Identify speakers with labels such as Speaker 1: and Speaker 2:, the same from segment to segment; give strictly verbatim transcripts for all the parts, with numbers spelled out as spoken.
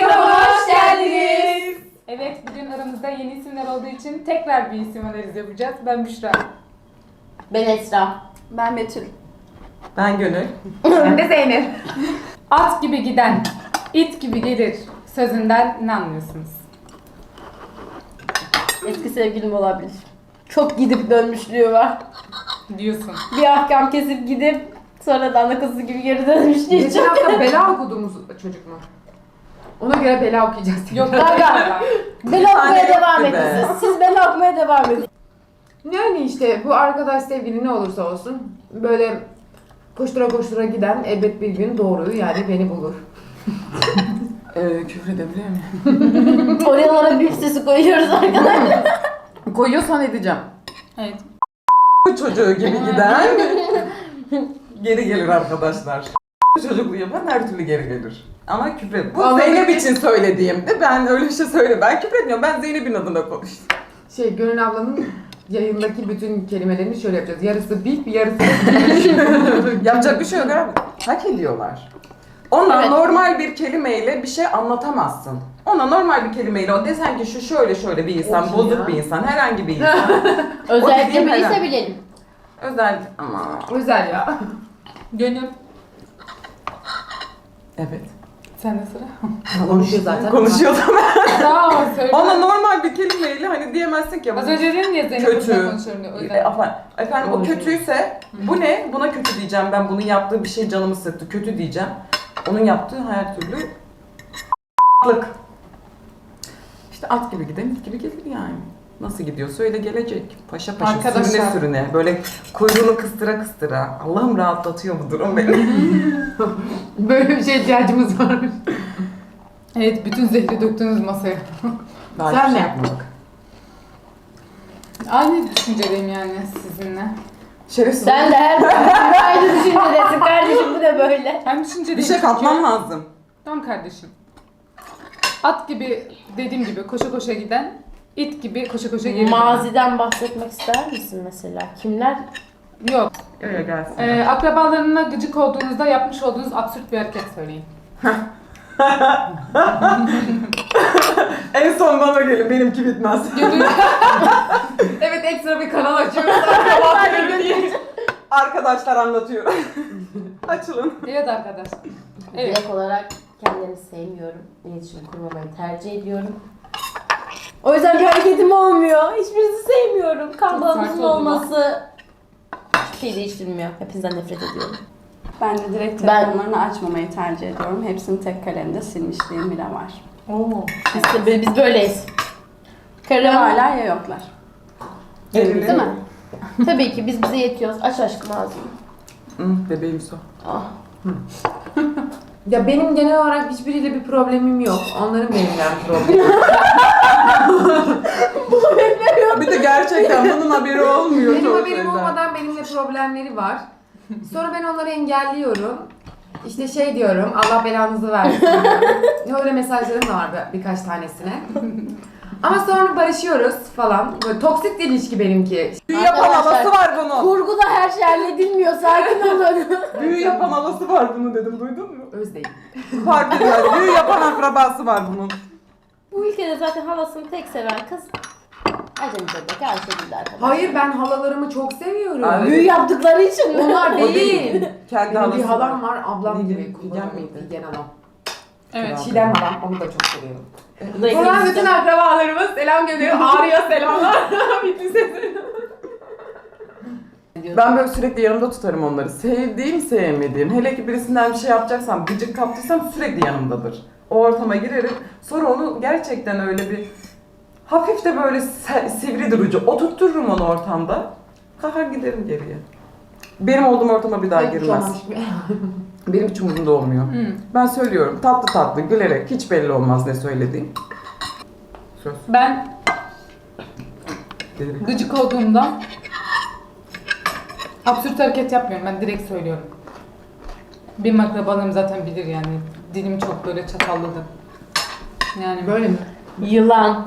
Speaker 1: Kanalıma hoş geldiniz.
Speaker 2: Evet, bugün aramızda yeni isimler olduğu için tekrar bir isim analizi yapacağız. Ben Büşra.
Speaker 1: Ben Esra.
Speaker 3: Ben Betül.
Speaker 4: Ben Gönül.
Speaker 2: Ben de Zeynep. At gibi giden, it gibi gelir sözünden ne anlıyorsunuz?
Speaker 1: Eski sevgilim olabilir. Çok gidip dönmüşlüğü var.
Speaker 2: Diyorsun.
Speaker 1: Bir ahkam kesip gidip sonradan da kızı gibi geri dönmüşlüğü
Speaker 3: Geçen
Speaker 1: çok.
Speaker 3: hafta bela okuduğumuz çocuk mu? Ona göre bela okuyacağız.
Speaker 2: Yok,
Speaker 1: Kanka, bela
Speaker 4: tane
Speaker 1: okumaya
Speaker 4: yoktu
Speaker 1: devam
Speaker 4: be.
Speaker 1: edin siz. Siz bela okumaya devam edin.
Speaker 3: Yani işte bu arkadaş sevgili ne olursa olsun böyle koştura koştura giden elbet bir gün doğruyu yani beni bulur.
Speaker 4: Ee, küfür edebiliyor muyum?
Speaker 1: Oralara büyük sesi koyuyoruz arkadaşlar.
Speaker 4: Koyuyorsan edeceğim.
Speaker 2: Evet.
Speaker 4: Çocuğu gibi giden geri gelir arkadaşlar. Çocukluğu yapan her türlü geri gelir. Ama küfür. Bu
Speaker 3: Ama
Speaker 4: Zeynep
Speaker 3: bir-
Speaker 4: için söylediğimde ben öyle bir şey söyle. Ben küfür etmiyorum. Ben Zeynep'in adına konuştum.
Speaker 3: Şey Gönül ablanın yayındaki bütün kelimelerini şöyle yapacağız. Yarısı bip, yarısı bip.
Speaker 4: Yapacak bir şey yok abi. Hak ediyorlar. Ona
Speaker 1: Evet.
Speaker 4: normal bir kelimeyle bir şey anlatamazsın. Ona normal bir kelimeyle o desen ki şu şöyle şöyle bir insan,
Speaker 3: O kim
Speaker 4: bozuk
Speaker 3: ya?
Speaker 4: bir insan, herhangi bir insan.
Speaker 1: Özellikle
Speaker 4: dediğim
Speaker 1: bilirse
Speaker 4: herhalde.
Speaker 1: bilelim.
Speaker 4: Özel ama
Speaker 3: Özel ya.
Speaker 2: Gönül.
Speaker 4: evet.
Speaker 2: Sen de sıra.
Speaker 3: Konuşuyor zaten.
Speaker 4: Konuşuyor da ben.
Speaker 2: Tamam, söyle.
Speaker 4: Ona normal bir kelimeyle hani diyemezsin ki.
Speaker 2: Az önce dedin ya Zeynep
Speaker 4: Kötü.
Speaker 2: bundan konuşuyorum diye. O
Speaker 4: E,
Speaker 2: yüzden.
Speaker 4: efendim, efendim o
Speaker 3: Konuşuyor.
Speaker 4: kötüyse bu ne? Buna kötü diyeceğim ben. Bunun yaptığı bir şey canımı sıktı. Kötü diyeceğim. Onun yaptığı her türlü lık. İşte at gibi giden it gibi gelir yani. Nasıl gidiyorsa öyle gelecek. Paşa paşa
Speaker 2: Arkadaşlar.
Speaker 4: sürüne sürüne. Böyle kuyruğunu kıstıra kıstıra. Allah'ım rahatlatıyor bu durum beni.
Speaker 3: Böyle bir şey ihtiyacımız var.
Speaker 2: Evet, bütün zehri döktünüz masaya.
Speaker 4: Daha
Speaker 3: Sen
Speaker 4: hiçbir şey
Speaker 3: ne?
Speaker 4: yapmadık.
Speaker 2: Aynı düşüncedeyim yani sizinle.
Speaker 4: Şerefsiz.
Speaker 1: Sen de her aynı düşüncedesin kardeşim, bu da böyle.
Speaker 2: Ben düşüncedeyim.
Speaker 4: Bir şey
Speaker 2: çünkü-
Speaker 4: katmam lazım.
Speaker 2: Tamam kardeşim. At gibi, dediğim gibi koşa koşa giden, it gibi koşa koşa geri dönen.
Speaker 1: Maziden bahsetmek ister misin mesela? Kimler?
Speaker 2: Yok.
Speaker 4: Öyle gelsin.
Speaker 2: Ee, akrabalarına gıcık olduğunuzda yapmış olduğunuz absürt bir hareket söyleyin.
Speaker 4: En son bana gelin. Benimki bitmez.
Speaker 3: Evet, ekstra bir kanal açıyoruz.
Speaker 4: Arkadaşlar anlatıyorum. Açılın.
Speaker 2: Evet arkadaşlar. Evet.
Speaker 1: Direkt olarak kendimi sevmiyorum. İletişim kurmamayı tercih ediyorum. O yüzden bir hareketim olmuyor. Hiçbirinizi sevmiyorum. Kan
Speaker 2: Çok
Speaker 1: bağımızın
Speaker 2: sert oldu
Speaker 1: olması hiçbir şey değiştirmiyor. Hepinizden nefret ediyorum.
Speaker 5: Ben de direkt
Speaker 1: Ben-
Speaker 5: telefonlarını açmamayı tercih ediyorum. Hepsini tek kalemde silmişliğim bile var.
Speaker 2: Oo.
Speaker 1: Biz, de, biz böyleyiz.
Speaker 5: Ya
Speaker 1: Karım
Speaker 5: varlar ya yoklar.
Speaker 1: değil mi? Tabii ki biz bize yetiyoruz. Aç aşkım ağzını.
Speaker 4: Hı, bebeğim su.
Speaker 1: Ah.
Speaker 3: Ya benim genel olarak hiçbiriyle bir problemim yok. Onların benimle problemi.
Speaker 4: Bir de gerçekten bunun haberi olmuyor.
Speaker 3: Benim
Speaker 4: çoğu
Speaker 3: haberim
Speaker 4: şeyden.
Speaker 3: olmadan benimle problemleri var. Sonra ben onları engelliyorum. İşte şey diyorum, Allah belanızı versin. Öyle mesajlarım da var bir- birkaç tanesine. Ama sonra barışıyoruz falan. Böyle toksik bir ilişki benimki.
Speaker 4: Büyü yapan
Speaker 1: Arkadaşlar,
Speaker 4: havası var bunun.
Speaker 1: Kurguda her şey halledilmiyor. Sakin olun.
Speaker 4: Büyü yapan havası var bunun dedim. Duydun mu?
Speaker 3: Özdeğim.
Speaker 4: Fark etmez. Büyü yapan akrabası var bunun.
Speaker 1: Bu ülkede zaten halasını tek seven kız Acemi Bebek Ayşegül'de arkadaşlar.
Speaker 3: Hayır, ben halalarımı çok seviyorum.
Speaker 4: Abi,
Speaker 1: Büyü yaptıkları için mi?
Speaker 3: Onlar
Speaker 4: O
Speaker 3: değil.
Speaker 4: değil. Kendi
Speaker 3: Benim bir
Speaker 4: halası
Speaker 3: halam var, ablam
Speaker 4: Figen-
Speaker 3: gibi.
Speaker 4: Figen
Speaker 3: Figen
Speaker 4: miydi?
Speaker 3: miydi? Figen halam.
Speaker 2: Evet.
Speaker 3: Çiğdem halam, onu da çok seviyorum.
Speaker 1: Bu da
Speaker 3: Buradan
Speaker 1: ikinci-
Speaker 3: bütün akrabalarımız selam gönderiyor. Ağrı'ya selamlar. Bitti sesi.
Speaker 4: Ben böyle sürekli yanımda tutarım onları. Sevdiğim, sevmediğim. Hele ki birisinden bir şey yapacaksam, gıcık kaptıysam sürekli yanımdadır. O ortama girerim. Sonra onu gerçekten öyle bir hafif de böyle se- sivri durucu oturttururum onu ortamda. Kalkar giderim geriye. Benim olduğum ortama bir daha
Speaker 3: Hiç
Speaker 4: girmez.
Speaker 3: olmamış gibi.
Speaker 4: Benim hiç umurumda olmuyor.
Speaker 2: Hmm.
Speaker 4: Ben söylüyorum tatlı tatlı gülerek, hiç belli olmaz ne söylediğim. Söz.
Speaker 2: Ben
Speaker 4: Dedim.
Speaker 2: gıcık olduğumda absürt hareket yapmıyorum. Ben direkt söylüyorum. Benim akrabalarım zaten bilir yani. Dilim çok böyle çatalladı. Yani
Speaker 3: Böyle mi?
Speaker 1: Yılan.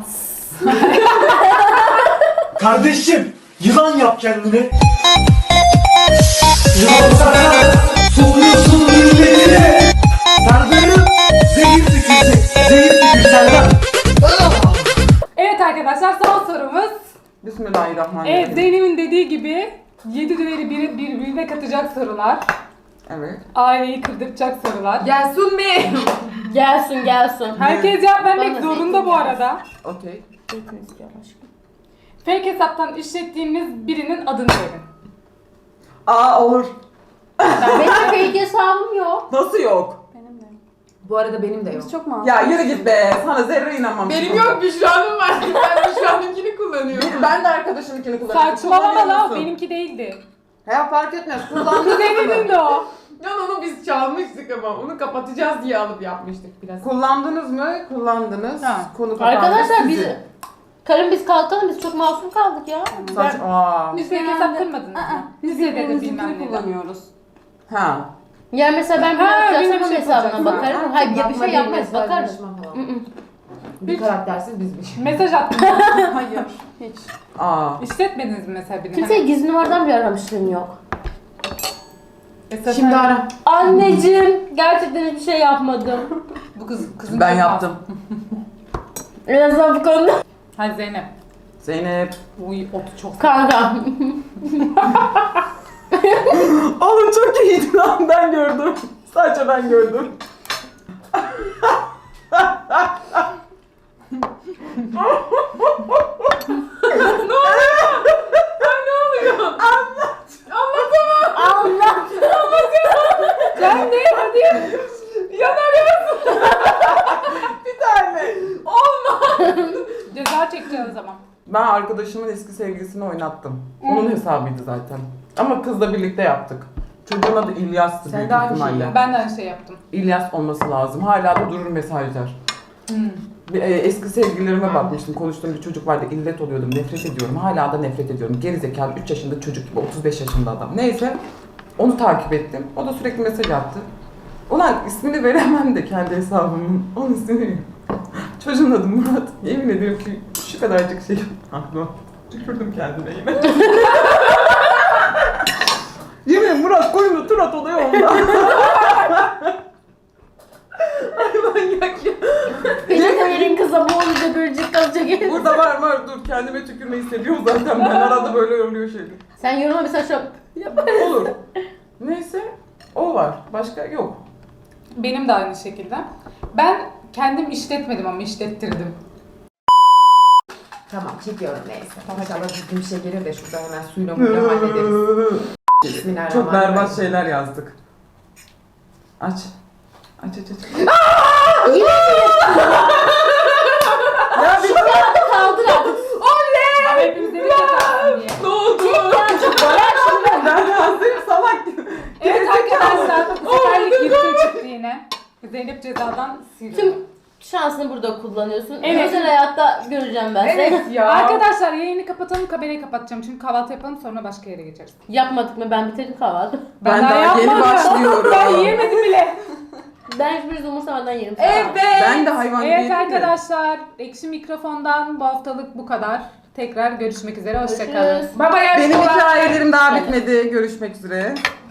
Speaker 6: Kardeşim, yılan yap kendine. Yılan sana soğuyorsun milletine. Sardığın zehir tükürecek, zehir
Speaker 4: Bismillahirrahmanirrahim.
Speaker 2: Evet, Zeynep'in dediği gibi yedi düveri bir, birbirine katacak sorular.
Speaker 4: Evet.
Speaker 2: Aileyi kırdıracak sorular.
Speaker 3: Gelsin mi?
Speaker 1: Gelsin gelsin.
Speaker 2: Herkes cevap vermek
Speaker 1: Bana
Speaker 2: zorunda
Speaker 1: zeytin
Speaker 2: bu arada.
Speaker 4: Okey.
Speaker 1: Zeytin istiyorum aşkım.
Speaker 2: Fake hesaptan işlettiğimiz birinin adını verin.
Speaker 4: Aa olur.
Speaker 1: Benim fake hesabım yok.
Speaker 4: Nasıl yok?
Speaker 5: Benim de.
Speaker 3: Bu arada benim de yok.
Speaker 5: Biz çok masum.
Speaker 4: Ya yürü git be. Sana zerre inanmam.
Speaker 3: Benim yok, Büşra'nın var. Ben Büşra'nınkini kullanıyorum.
Speaker 4: Bir- Ben de arkadaşımınkini kullanıyorum.
Speaker 2: Saçmalama
Speaker 4: Kullanıyor
Speaker 2: la,
Speaker 4: musun?
Speaker 2: benimki değildi.
Speaker 4: Ya fark etmez. Kullandın
Speaker 2: Kuzeninin de o.
Speaker 3: Ya onu biz çalmıştık ama onu kapatacağız diye alıp yapmıştık biraz.
Speaker 4: Kullandınız mı? Kullandınız.
Speaker 2: Ha.
Speaker 4: Konu kapandı.
Speaker 1: Arkadaşlar
Speaker 4: Sizin.
Speaker 1: biz... Karım biz kalkalım, biz çok masum kaldık ya.
Speaker 4: Saç... Aa.
Speaker 2: Biz fake hesap kırmadınız mı?
Speaker 5: Biz
Speaker 2: Lisede de bilmem
Speaker 5: birbirimizinkini
Speaker 2: ne.
Speaker 5: kullanıyoruz.
Speaker 4: Ha.
Speaker 1: Ya mesela ben bir
Speaker 2: Ha,
Speaker 1: yapacağım
Speaker 2: benim
Speaker 1: onun
Speaker 2: şey
Speaker 1: hesabına
Speaker 2: yapacaksın.
Speaker 1: bakarım. Hayır ya bir
Speaker 3: Yapma
Speaker 1: şey
Speaker 3: değil,
Speaker 1: yapmayız, bakarım.
Speaker 3: mesajlaşma falan.
Speaker 1: Hı hı.
Speaker 3: Bir karaktersiz bizmiş.
Speaker 2: Mesaj attım.
Speaker 5: Hayır. Hiç.
Speaker 4: Aa.
Speaker 2: İşletmediniz mi mesela birini?
Speaker 1: Kimseye gizli numaradan bir aramışlığım yok.
Speaker 2: Esas
Speaker 3: Şimdi
Speaker 2: sen-
Speaker 3: ara.
Speaker 1: Anneciğim, gerçekten hiçbir şey yapmadım.
Speaker 2: Bu kız, kızın
Speaker 4: Ben
Speaker 2: çok
Speaker 4: yaptım.
Speaker 1: En azından bu konuda.
Speaker 2: az. Hadi Zeynep.
Speaker 4: Zeynep.
Speaker 2: Uy, otu çok.
Speaker 1: Kanka.
Speaker 4: Oğlum çok iyiydi lan, ben gördüm. Sadece ben gördüm.
Speaker 1: Allah.
Speaker 2: Sen ne? Hadi.
Speaker 4: Bir tane.
Speaker 2: Ceza çekeceğiz o zaman.
Speaker 4: Ben arkadaşımın eski sevgilisini oynattım. Onun hesabıydı zaten. Ama kızla birlikte yaptık. Çocuğun adı İlyas'tı
Speaker 3: Sen
Speaker 4: büyük
Speaker 3: de aynı
Speaker 4: ihtimalle.
Speaker 3: şeyi
Speaker 2: Ben de aynı şey yaptım.
Speaker 4: İlyas olması lazım. Hala da durur mesajlar.
Speaker 2: Hmm.
Speaker 4: Bir, e, eski sevgililerime bakmıştım. Konuştuğum bir çocuk vardı. İllet oluyordum. Nefret ediyorum. Hala da nefret ediyorum. Gerizekalı üç yaşında çocuk gibi. otuz beş yaşında adam. Neyse. Onu takip ettim. O da sürekli mesaj attı. Ulan ismini veremem de kendi hesabımın. Onun ismini. Çocuğun adı Murat. Yemin ediyorum ki şu kadarcık şey aklıma. Tükürdüm kendime yine. Yemin Murat koyunu Turat oluyor ondan.
Speaker 3: Manyak ya.
Speaker 1: Peçete verin kıza, bu olunca bölecek kalacak.
Speaker 4: Burada var var dur kendime tükürme hissediyorum zaten ben arada böyle oluyor şeyler.
Speaker 1: Sen yoruma mesela şu
Speaker 4: Olur. Neyse o var. Başka yok.
Speaker 2: Benim de aynı şekilde. Ben kendim işletmedim ama işlettirdim.
Speaker 3: Tamam, çekiyorum neyse. İnşallah düzgün bir şey gelir de şurada hemen suyla muyla hallederiz. Bismillahirrahmanirrahim.
Speaker 4: Çok berbat şeyler yazdık. Aç. Aç aç aç.
Speaker 1: yine
Speaker 4: Ya bir
Speaker 1: kaldır artık.
Speaker 2: Ama hepimiz dedik yatarsın diye.
Speaker 3: Ne oldu?
Speaker 4: ben yazdım salak gibi.
Speaker 2: Evet arkadaşlar, bu seferlik yırtın çıktı yine. Zeynep cezadan sildi.
Speaker 1: Tüm şansını burada kullanıyorsun.
Speaker 2: Evet.
Speaker 1: Özel hayatta göreceğim ben seni.
Speaker 3: Evet ya.
Speaker 2: Arkadaşlar yayını kapatalım, kamerayı kapatacağım çünkü kahvaltı yapalım sonra başka yere geçeriz.
Speaker 1: Yapmadık mı? Ben bitirdim kahvaltı.
Speaker 4: Ben daha yeni başlıyorum.
Speaker 2: Ben yiyemedim bile.
Speaker 1: Ben hiçbir umursamadan yerim.
Speaker 3: Evet.
Speaker 4: Ben de hayvan
Speaker 2: Evet
Speaker 4: değilim de.
Speaker 2: arkadaşlar, Ekşi Mikrofon'dan bu haftalık bu kadar. Tekrar görüşmek üzere, hoşçakalın.
Speaker 1: Görüşürüz.
Speaker 3: Baba
Speaker 4: Benim
Speaker 3: yaşlı olan-
Speaker 4: hikayelerim daha bitmedi. Görüşmek üzere.